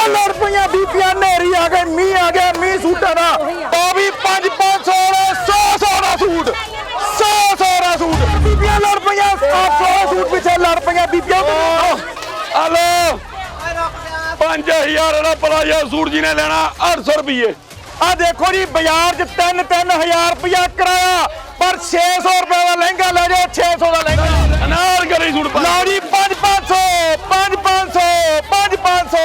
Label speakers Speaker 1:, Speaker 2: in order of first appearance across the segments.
Speaker 1: रुपया बीपिया नेरी आ गई मी आ गया मी सूटा का तो भी 500 100 का सूट 100 का सूट बीपिया रुपया 800 सूट पीछे रुपया बीपिया
Speaker 2: हेलो 5000 का प्लाजो सूट जी ने लेना 800 रुपये
Speaker 1: आ देखो जी बाजार च 3-3000 रुपया किराया पर 600 रुपए का लहंगा ले जाओ 600 का लहंगा
Speaker 2: अनारकली सूट
Speaker 1: लो जी 500 500 500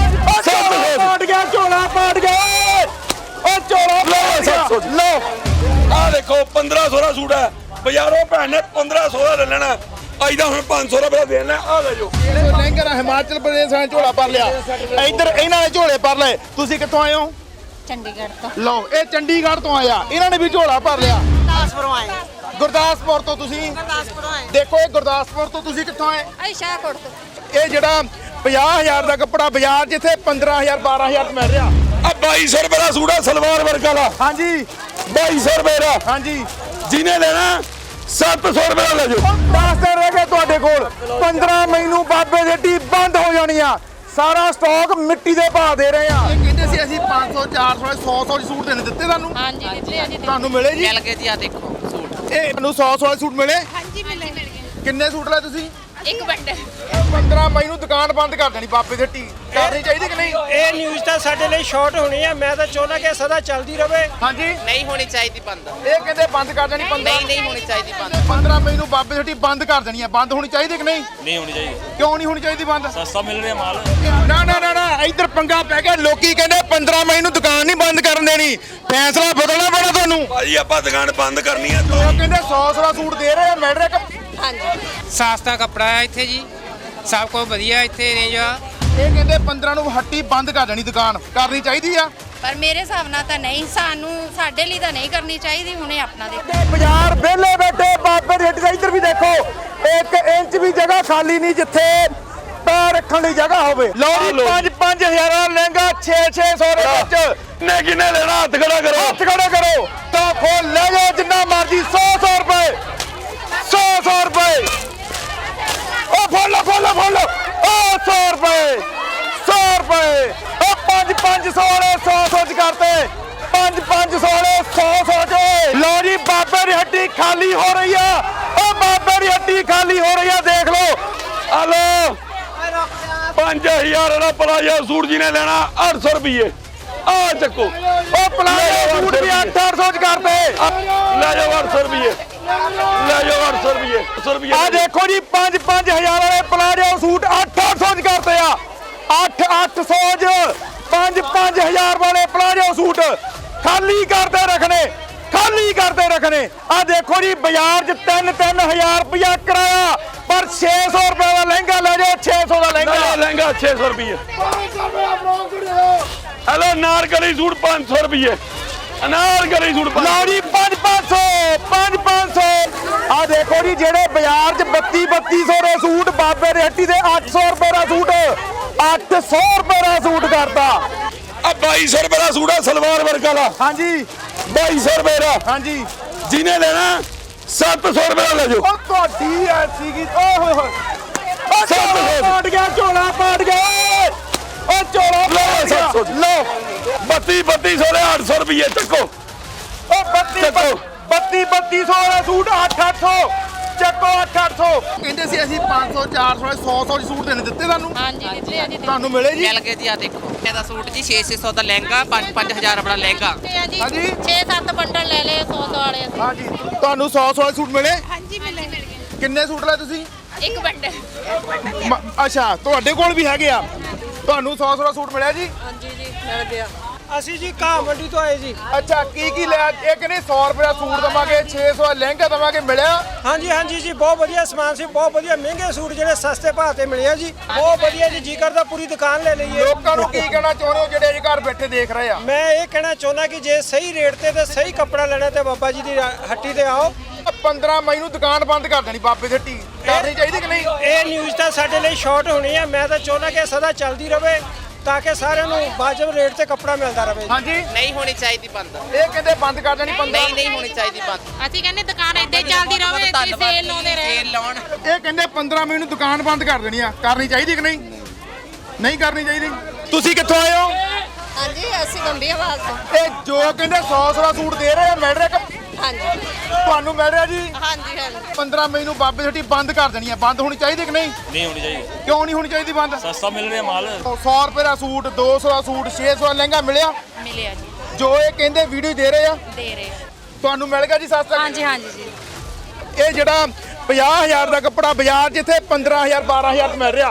Speaker 1: पाट गया झोला पाट गया ओ झोला लो
Speaker 2: आ देखो 1500 का सूट है बाजारों भैन ने 1500 का ले लेना अज का हम 500 रुपया देना आ ले जो
Speaker 1: लहंगा हिमाचल प्रदेश ने झोला भर लिया इधर इन्होंने झोले भर ले तुसी कित्थों आए हो
Speaker 3: चंडीगढ़ तो
Speaker 1: लो ये चंडीगढ़ तो आया इन्होंने भी झोला भर लिया गुरदासपुर तो तुसी देखो ये गुरदासपुर तो तुसी कित्थों आए
Speaker 3: शाहकोट तो
Speaker 1: ये जेड़ा 50000 का कपड़ा बाजार जिथे 15000 12000 मिल रहा
Speaker 2: अब 2200 रुपये का सूट है सलवार वर्क वाला
Speaker 1: हाँ जी
Speaker 2: 2200 रुपये का
Speaker 1: हाँ जी
Speaker 2: जिन्हें लेना 700 रुपये का ले जाओ
Speaker 1: 10 दिन रह गए ਤੁਹਾਡੇ ਕੋਲ 15 ਮਈ ਨੂੰ ਬਾਬੇ ਦੀ ਟੀ ਬੰਦ ਹੋ ਜਾਣੀ ਆ ਸਾਰਾ ਸਟਾਕ ਮਿੱਟੀ ਦੇ ਭਾਅ ਦੇ ਰਹੇ ਆ ਇਹ ਕਹਿੰਦੇ ਸੀ ਅਸੀਂ 500 400 100 ਦੀ ਸੂਟ ਦੇਣੇ ਦਿੱਤੇ ਤੁਹਾਨੂੰ
Speaker 3: हाँ जी दिते हैं जी
Speaker 1: ਤੁਹਾਨੂੰ ਮਿਲੇ ਜੀ
Speaker 4: ਮਿਲ ਗਏ ਜੀ ਆ ਦੇਖੋ ਸੂਟ
Speaker 1: ਇਹ ਤੁਹਾਨੂੰ 100 ਵਾਲੇ ਸੂਟ ਮਿਲੇ
Speaker 3: हाँ जी मिल गए
Speaker 1: ਕਿੰਨੇ ਸੂਟ ਲਏ ਤੁਸੀਂ
Speaker 3: एक बंडल
Speaker 1: 15 ਮਈ ਨੂੰ ਦੁਕਾਨ ਬੰਦ ਕਰ ਦੇਣੀ ਬਾਬੇ ਦੀ ਟੀ ਕਰਨੀ ਚਾਹੀਦੀ ਕਿ ਨਹੀਂ
Speaker 5: ਇਹ ਨਿਊਜ਼ ਤਾਂ ਸਾਡੇ ਲਈ ਸ਼ਾਰਟ ਹੋਣੀ ਹੈ ਮੈਂ ਤਾਂ ਚਾਹੁੰਦਾ ਕਿ ਸਦਾ ਚੱਲਦੀ ਰਹੇ
Speaker 1: ਹਾਂਜੀ
Speaker 4: ਨਹੀਂ ਹੋਣੀ ਚਾਹੀਦੀ ਬੰਦ
Speaker 1: ਇਹ ਕਹਿੰਦੇ ਬੰਦ ਕਰ ਦੇਣੀ 15
Speaker 4: ਨਹੀਂ ਹੋਣੀ ਚਾਹੀਦੀ ਬੰਦ
Speaker 1: 15 ਮਈ ਨੂੰ ਬਾਬੇ ਦੀ ਟੀ ਬੰਦ ਕਰ ਦੇਣੀ ਹੈ ਬੰਦ ਹੋਣੀ ਚਾਹੀਦੀ ਕਿ ਨਹੀਂ
Speaker 6: ਨਹੀਂ ਹੋਣੀ ਚਾਹੀਦੀ
Speaker 1: ਕਿਉਂ ਨਹੀਂ ਹੋਣੀ ਚਾਹੀਦੀ ਬੰਦ
Speaker 6: ਸਸਤਾ ਮਿਲ ਰਿਹਾ ਮਾਲ
Speaker 1: ਨਾ ਨਾ ਨਾ ਨਾ ਇੱਧਰ ਪੰਗਾ ਪੈ ਗਿਆ ਲੋਕੀ ਕਹਿੰਦੇ 15 ਮਈ ਨੂੰ ਦੁਕਾਨ ਨਹੀਂ ਬੰਦ ਕਰਨ ਦੇਣੀ ਫੈਸਲਾ ਬਦਲਣਾ ਪੈਣਾ ਤੁਹਾਨੂੰ
Speaker 2: ਭਾਜੀ ਆਪਾਂ ਦੁਕਾਨ ਬੰਦ ਕਰਨੀ ਹੈ
Speaker 1: ਉਹ ਕਹਿੰਦੇ 100 ਦਾ ਸੂਟ ਦੇ ਰਹੇ ਆ ਮਿਲ ਰਿਹਾ ਕਿ
Speaker 3: हाँ जी
Speaker 7: ਸਸਤਾ ਕੱਪੜਾ ਹੈ ਇੱਥੇ ਜੀ ਸਭ ਕੁਝ ਵਧੀਆ ਇੱਥੇ ਰੇਂਜ ਆ
Speaker 1: ਇਹ ਕਹਿੰਦੇ 15 ਨੂੰ ਹੱਟੀ ਬੰਦ ਕਰ ਦੇਣੀ ਦੁਕਾਨ ਕਰਨੀ ਚਾਹੀਦੀ ਆ
Speaker 3: पर मेरे हिसाब नाल तां नहीं सानू साडे लई तां नहीं करनी चाहिदी हुणे अपना दे
Speaker 1: ਬਾਜ਼ਾਰ ਵਿਹਲੇ ਬੈਠੇ ਬਾਬੇ ਦੀ ਹੱਟੀ ਦਾ ਇੱਧਰ ਵੀ ਦੇਖੋ 1 ਇੰਚ ਵੀ ਜਗ੍ਹਾ ਖਾਲੀ ਨਹੀਂ ਜਿੱਥੇ ਪੈਰ ਰੱਖਣ ਲਈ ਜਗ੍ਹਾ ਹੋਵੇ ਲਓ ਜੀ 5-5000 ਦਾ ਲਹਿੰਗਾ 6-600 ਦੇ ਵਿੱਚ
Speaker 2: ਕਿੰਨੇ ਲੈਣਾ ਹੱਥ ਖੜਾ ਕਰੋ
Speaker 1: ਹੱਥ ਖੜਾ ਕਰੋ ਤਾਂ ਖੋਲ ਲੈ ਜਾਓ ਜਿੰਨਾ ਮਰਜ਼ੀ 100 ਰੁਪਏ 100 ਰੁਪਏ ਉਹ ਫੋਲੋ ਫੋਲੋ ਉਹ 100 ਰੁਪਏ 100 ਰੁਪਏ ਉਹ 500 ਵਾਲੇ 100 ਚ ਕਰਤੇ 500 ਵਾਲੇ 100 ਚ ਲਓ ਜੀ ਬਾਬੇ ਦੀ ਹੱਟੀ ਖਾਲੀ ਹੋ ਰਹੀ ਆ ਉਹ ਬਾਬੇ ਦੀ ਹੱਟੀ ਖਾਲੀ ਹੋ ਰਹੀ ਆ ਦੇਖ ਲਓ
Speaker 2: ਹਲੋ 5000 ਦਾ ਪਲਾਜੋ ਸੂਟ ਜੀ ਨੇ ਲੈਣਾ 800 ਰੁਪਏ ਆ ਚੱਕੋ
Speaker 1: ਉਹ ਪਲਾਜੋ ਸੂਟ ਵੀ 800 ਚ ਕਰਤੇ
Speaker 2: ਲੈ ਜਾਓ 800 ਰੁਪਏ ਲੈ ਜਾਓ 800 ਰੁਪਏ 800 ਰੁਪਏ
Speaker 1: ਆ ਦੇਖੋ ਜੀ 5-5000 ਵਾਲੇ ਪਲਾਜੋ ਸੂਟ 800 ਚ ਕਰਤੇ ਆ 800 ਚ 5-5000 ਵਾਲੇ ਪਲਾਜੋ ਸੂਟ ਖਾਲੀ ਕਰਦੇ ਰੱਖਣੇ ਆ ਦੇਖੋ ਜੀ ਬਾਜ਼ਾਰ 'ਚ 3-3000 ਰੁਪਇਆ ਕਿਰਾਇਆ ਪਰ 600 ਰੁਪਏ ਦਾ ਲਹਿੰਗਾ ਲੈ ਜਾਓ 600 ਦਾ
Speaker 2: ਲਹਿੰਗਾ 600 ਰੁਪਏ ਹਲੋ ਨਾਰਕਲੀ ਸੂਟ 500 ਰੁਪਏ ਅਨਾਰਕਲੀ ਸੂਟ
Speaker 1: ਲਓ ਜੀ 500 ਆ ਦੇਖੋ ਜੀ ਜਿਹੜੇ ਬਾਜ਼ਾਰ 'ਚ 3200 ਦੇ ਸੂਟ ਬਾਬੇ ਦੀ ਹੱਟੀ ਦੇ 800 ਰੁਪਏ ਦਾ ਸੂਟ 800 ਰੁਪਏ ਦਾ ਸੂਟ ਕਰਤਾ
Speaker 2: ਆ 2200 ਰੁਪਏ ਦਾ ਸੂਟ ਹੈ ਸਲਵਾਰ ਵਰਕ ਵਾਲਾ
Speaker 1: ਹਾਂਜੀ
Speaker 2: 2200 ਰੁਪਏ ਦਾ
Speaker 1: ਹਾਂਜੀ
Speaker 2: ਜਿਹਨੇ ਲੈਣਾ 700 ਰੁਪਏ ਦਾ ਲੈ ਜਾਓ
Speaker 1: ਉਹ ਤੁਹਾਡੀ ਐਸੀ ਕੀ ਓਏ ਹੋਏ ਹੋਏ ਉਹ ਝੋਲਾ ਪਾਟ ਗਿਆ ਉਹ ਝੋਲਾ
Speaker 2: ਲਓ ਲਓ 3200 ਦੇ 800 ਰੁਪਏ ਚੱਕੋ
Speaker 1: ਉਹ 3200 ਵਾਲਾ ਸੂਟ 800 ਚੱਕੋ 800 ਕਹਿੰਦੇ ਸੀ ਅਸੀਂ 500 400 100 ਦੀ ਸੂਟ ਦੇਣੇ ਦਿੱਤੇ ਤੁਹਾਨੂੰ
Speaker 3: हाँ जी दिते हैं जी
Speaker 1: ਤੁਹਾਨੂੰ ਮਿਲੇ ਜੀ
Speaker 4: ਮਿਲ ਗਏ ਜੀ ਆ ਦੇਖੋ ਇਹਦਾ ਸੂਟ ਜੀ 600 ਦਾ ਲਹਿੰਗਾ 5-5000 ਵਾਲਾ ਲਹਿੰਗਾ
Speaker 1: ਹਾਂਜੀ
Speaker 3: 6-7 ਬੰਡਲ ਲੈ ਲਏ 100 ਵਾਲੇ
Speaker 1: ਹਾਂਜੀ ਤੁਹਾਨੂੰ 100 ਵਾਲੇ ਸੂਟ ਮਿਲੇ
Speaker 3: हाँ जी मिल गए
Speaker 1: ਕਿੰਨੇ ਸੂਟ ਲਏ ਤੁਸੀਂ
Speaker 3: एक बंडल
Speaker 1: ਅੱਛਾ ਤੁਹਾਡੇ ਕੋਲ ਵੀ ਹੈਗੇ ਆ ਤੁਹਾਨੂੰ 100 ਵਾਲਾ ਸੂਟ ਮਿਲਿਆ ਜੀ
Speaker 3: हाँ जी मिल गया
Speaker 5: ਅਸੀਂ ਜੀ ਘਾਹ ਮੰਡੀ ਤੋਂ ਆਏ ਜੀ
Speaker 1: ਅੱਛਾ ਕੀ ਲਿਆ ਇਹ ਕਹਿੰਦੇ 100 ਰੁਪਏ ਦਾ ਸੂਟ ਦਵਾਂਗੇ 600 ਦਾ ਲਹਿੰਗਾ ਦਵਾਂਗੇ ਮਿਲਿਆ
Speaker 5: ਹਾਂਜੀ ਜੀ ਬਹੁਤ ਵਧੀਆ ਸਮਾਨ ਸੀ ਬਹੁਤ ਵਧੀਆ ਮਹਿੰਗੇ ਸੂਟ ਜਿਹੜੇ ਸਸਤੇ ਭਾਅ ਤੇ ਮਿਲੇ ਆ ਜੀ ਬਹੁਤ ਵਧੀਆ ਜੀ ਕਰਦਾ ਪੂਰੀ ਦੁਕਾਨ ਲੈ ਲਈਏ
Speaker 1: ਲੋਕਾਂ ਨੂੰ ਕੀ ਕਹਿਣਾ ਚਾਹੁੰਦੇ ਹੋ ਜਿਹੜੇ ਘਰ ਬੈਠੇ ਦੇਖ ਰਹੇ ਆ
Speaker 5: ਮੈਂ ਇਹ ਕਹਿਣਾ ਚਾਹੁੰਦਾ ਕਿ ਜੇ ਸਹੀ ਰੇਟ ਤੇ ਸਹੀ ਕੱਪੜਾ ਲੈਣਾ ਤੇ ਬਾਬਾ ਜੀ ਦੀ ਹੱਟੀ ਤੇ ਆਓ
Speaker 1: 15 ਮਈ ਨੂੰ ਦੁਕਾਨ ਬੰਦ ਕਰ ਦੇਣੀ ਬਾਬੇ ਦੀ ਹੱਟੀ ਕਰਨੀ ਚਾਹੀਦੀ ਕਿ ਨਹੀਂ
Speaker 5: ਇਹ ਨਿਊਜ਼ ਤਾਂ ਸਾਡੇ ਲਈ ਸ਼ਾਰਟ ਹੋਣੀ ਹੈ ਮੈਂ ਤਾਂ ਚਾਹੁੰਦਾ ਕਿ ਸਦਾ ਚੱਲਦੀ ਰਹੇ ਤਾਂ ਕਿ ਸਾਰਿਆਂ ਨੂੰ ਵਾਜਬ ਰੇਟ ਤੇ ਕੱਪੜਾ ਮਿਲਦਾ ਰਹੇ
Speaker 1: ਹਾਂਜੀ
Speaker 4: ਨਹੀਂ ਹੋਣੀ ਚਾਹੀਦੀ ਬੰਦ
Speaker 1: ਇਹ ਕਹਿੰਦੇ ਬੰਦ ਕਰ ਦੇਣੀ 15
Speaker 4: ਨਹੀਂ ਹੋਣੀ ਚਾਹੀਦੀ ਬੰਦ
Speaker 3: ਅਸੀਂ ਕਹਿੰਦੇ ਦੁਕਾਨ ਏਦਾਂ ਹੀ ਚੱਲਦੀ ਰਹੇ ਤੇ ਸੇਲ ਲਾਉਂਦੇ ਰਹੇ
Speaker 4: ਸੇਲ ਲਾਉਣ
Speaker 1: ਇਹ ਕਹਿੰਦੇ 15 ਮਈ ਨੂੰ ਦੁਕਾਨ ਬੰਦ ਕਰ ਦੇਣੀ ਆ ਕਰਨੀ ਚਾਹੀਦੀ ਕਿ ਨਹੀਂ ਨਹੀਂ ਕਰਨੀ ਚਾਹੀਦੀ ਤੁਸੀਂ ਕਿੱਥੋਂ ਆਏ ਹੋ?
Speaker 6: ਹਾਂਜੀ ਅਸੀਂ ਗੰਭੀਰਵਾਲ ਤੋਂ
Speaker 1: ਇਹ ਜੋ ਕਹਿੰਦੇ 100 ਦਾ ਸੂਟ ਦੇ ਰਹੇ ਆ ਮਿਲ ਰਿਹਾ ਕਿ
Speaker 6: ਹਾਂਜੀ
Speaker 1: ਤੁਹਾਨੂੰ ਮਿਲ ਰਿਹਾ ਜੀ?
Speaker 6: ਹਾਂਜੀ ਹਾਂਜੀ
Speaker 1: 15 ਮਈ ਨੂੰ ਬਾਬੇ ਛੱਟੀ ਬੰਦ ਕਰ ਦੇਣੀ ਹੈ। ਬੰਦ ਹੋਣੀ ਚਾਹੀਦੀ ਕਿ ਨਹੀਂ?
Speaker 8: ਨਹੀਂ ਹੋਣੀ ਚਾਹੀਦੀ,
Speaker 1: ਕਿਉਂ ਨਹੀਂ ਹੋਣੀ ਚਾਹੀਦੀ ਬੰਦ?
Speaker 8: ਸਸਤਾ ਮਿਲ ਰਿਹਾ ਮਾਲ।
Speaker 1: 100 ਰੁਪਏ ਦਾ ਸੂਟ, 200 ਦਾ ਸੂਟ, 600 ਦਾ ਲਹਿੰਗਾ ਮਿਲਿਆ?
Speaker 3: ਮਿਲਿਆ ਜੀ,
Speaker 1: ਜੋ ਇਹ ਕਹਿੰਦੇ ਵੀਡੀਓ ਦੇ ਰਹੇ ਆ
Speaker 3: ਦੇ ਰਹੇ ਆ।
Speaker 1: ਤੁਹਾਨੂੰ ਮਿਲ ਗਿਆ ਜੀ ਸਸਤਾ?
Speaker 3: ਹਾਂਜੀ ਹਾਂਜੀ ਜੀ।
Speaker 1: ਇਹ ਜਿਹੜਾ 50,000 ਦਾ ਕੱਪੜਾ ਬਾਜ਼ਾਰ ਜਿੱਥੇ 15,000 12,000 ਚ ਮਿਲ ਰਿਹਾ,